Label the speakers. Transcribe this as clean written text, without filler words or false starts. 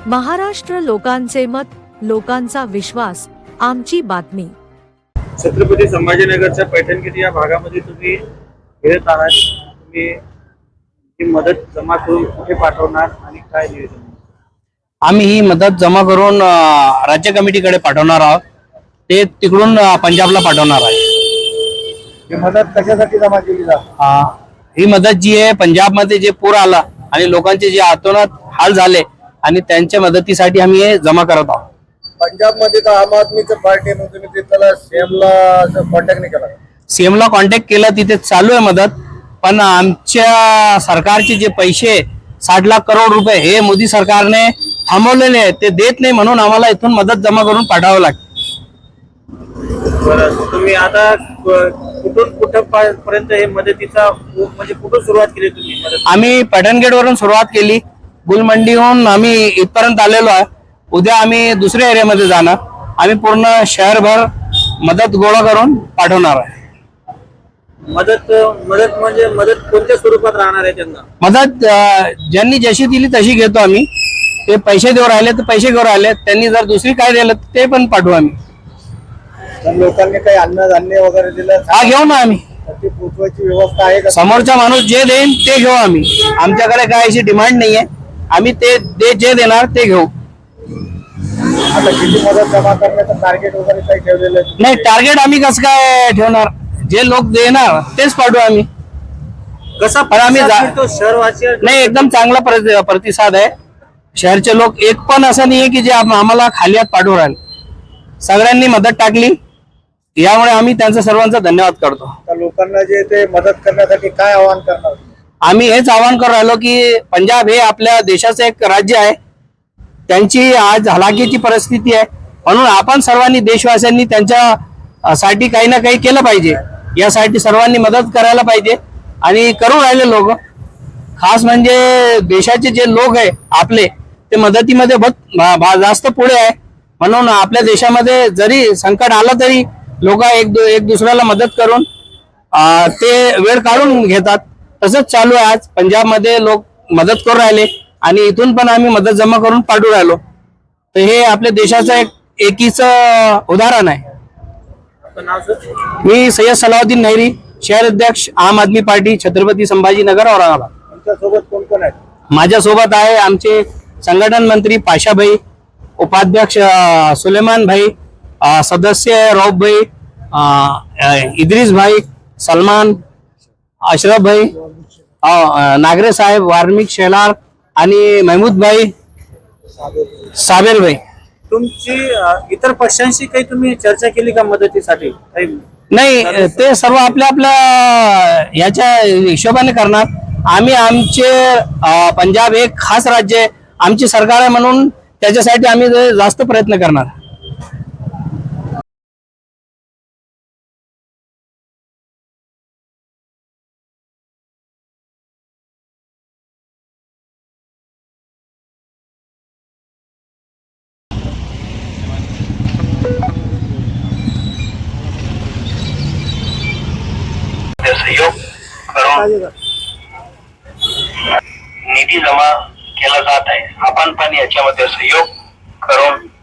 Speaker 1: महाराष्ट्र लोकांचे मत, लोकांचा विश्वास, आमची बातमी।
Speaker 2: छत्रपती संभाजीनगरच्या पैठणगिरी या भागामध्ये तुम्ही फिरत आहात, तुम्ही ही मदत जमा करून कुठे पाठवणार आणि काय नियोजन?
Speaker 3: आम्ही ही मदत जमा करून राज्य कमिटीकडे पाठवणार आहोत। ते तिकडून पंजाबला पाठवणार आहे।
Speaker 2: ही मदत कशासाठी जमा केली जाते?
Speaker 3: ही मदत जी आहे, पंजाबमध्ये जे पूर आला आणि लोकांचे जे अतोनात हाल झाले आणि त्यांच्या मदतीसाठी आम्ही हे जमा करत आहोत।
Speaker 2: पंजाब मध्ये तर आम आदमीचं पार्टी आहे, तुम्ही त्याला सीएमला कॉन्टॅक्ट नाही केला?
Speaker 3: सीएमला कॉन्टॅक्ट केला, तिथे चालू आहे मदत। पण आमच्या सरकारचे जे पैसे 60 लाख करोड रुपये हे मोदी सरकारने थांबवलेले आहेत, ते देत नाही, म्हणून आम्हाला इथून मदत जमा करून पाठवावं लागते।
Speaker 2: बरं, तुम्ही आता कुठून कुठपर्यंत हे मदतीचा म्हणजे कुठून सुरुवात केली तुम्ही मदत?
Speaker 3: आम्ही पैठणगेट वरून सुरुवात केली, गुलमंडीहून आम्ही इथपर्यंत आलेलो आहे। उद्या आम्ही दुसऱ्या एरियामध्ये जाणार। आम्ही पूर्ण शहरभर मदत गोळा करून पाठवणार आहे।
Speaker 2: मदत म्हणजे मदत कोणत्या स्वरूपात राहणार आहे त्यांना?
Speaker 3: मदत ज्यांनी जशी दिली तशी घेतो आम्ही। ते पैसे देऊ राहिले तर पैसे घेऊ राहिले, त्यांनी जर दुसरी काय दिलं ते पण पाठवू आम्ही।
Speaker 2: लोकांनी काही अन्नधान्य वगैरे दिलं?
Speaker 3: हा, घेऊ ना आम्ही।
Speaker 2: ती पोचवायची व्यवस्था आहे का?
Speaker 3: समोरचा माणूस जे देईन ते घेऊ आम्ही। आमच्याकडे काय अशी डिमांड नाहीये, आम्ही ते जे देणार ते घेऊ।
Speaker 2: आता किती मदत जमा करण्याचं टार्गेट वगैरे काही ठेवलेलं आहे?
Speaker 3: नाही, टार्गेट आम्ही कसं काय ठेवणार? जे लोक देणार तेच पाठवू आम्ही।
Speaker 2: कसा
Speaker 3: पण आम्ही
Speaker 2: शहरवासी
Speaker 3: नाही, एकदम चांगला प्रतिसाद आहे। शहरचे लोक एक पण असं नाहीये की जे आम्हाला खाली हात पाठवू राहिले। सगळ्यांनी मदत टाकली, यामुळे आम्ही त्यांचा सर्वांचा धन्यवाद करतो।
Speaker 2: लोकांना जे ते मदत करण्यासाठी काय आवाहन करणार?
Speaker 3: आम्ही हेच आवाहन करू राहिलो की पंजाब हे आपल्या देशाचं एक राज्य आहे। त्यांची आज हलाखीची परिस्थिती आहे, म्हणून आपण सर्वांनी देशवासियांनी त्यांच्यासाठी काही ना काही केलं पाहिजे। यासाठी सर्वांनी मदत करायला पाहिजे आणि करू राहिले लोक। खास म्हणजे देशाचे जे लोक आहे आपले, ते मदतीमध्ये जास्त पुढे आहे। म्हणून आपल्या देशामध्ये जरी संकट आलं तरी लोक एक दुसऱ्याला मदत करून ते वेळ काढून घेतात। तसंच चालू आहे, आज पंजाबमध्ये लोक मदत करू राहिले आणि इथून पण आम्ही मदत जमा करून पाठवू राहिलो। तर हे आपल्या देशाचं एक एकीचं उदाहरण आहे। मी सय्यद सलाउद्दीन नहरी, शहर अध्यक्ष आम आदमी पार्टी, छत्रपती संभाजीनगर, औरंगाबाद।
Speaker 2: तुमच्यासोबत कोण कोण आहे?
Speaker 3: माझ्यासोबत आहे आमचे संघटन मंत्री पाशा भाई, उपाध्यक्ष सुलेमान भाई, सदस्य रौफ भाई, इद्रिस भाई, सलमान, अशरफ भाई, नागरे साहेब, वार्मिक शेलार आणि महमूद भाई, साबेर भाई।
Speaker 2: तुमची इतर पक्षांशी काही तुम्ही चर्चा केली का मदतीसाठी?
Speaker 3: नाही, ते सर्व आपल्या आपल्या याच्या हिशोबाने करणार। आम्ही आमचे पंजाब एक खास राज्य आहे, आमची सरकार आहे, म्हणून त्याच्यासाठी आम्ही जास्त प्रयत्न करणार।
Speaker 4: सहयोग करून निधी जमा केला जात आहे। आपण पण याच्यामध्ये सहयोग करून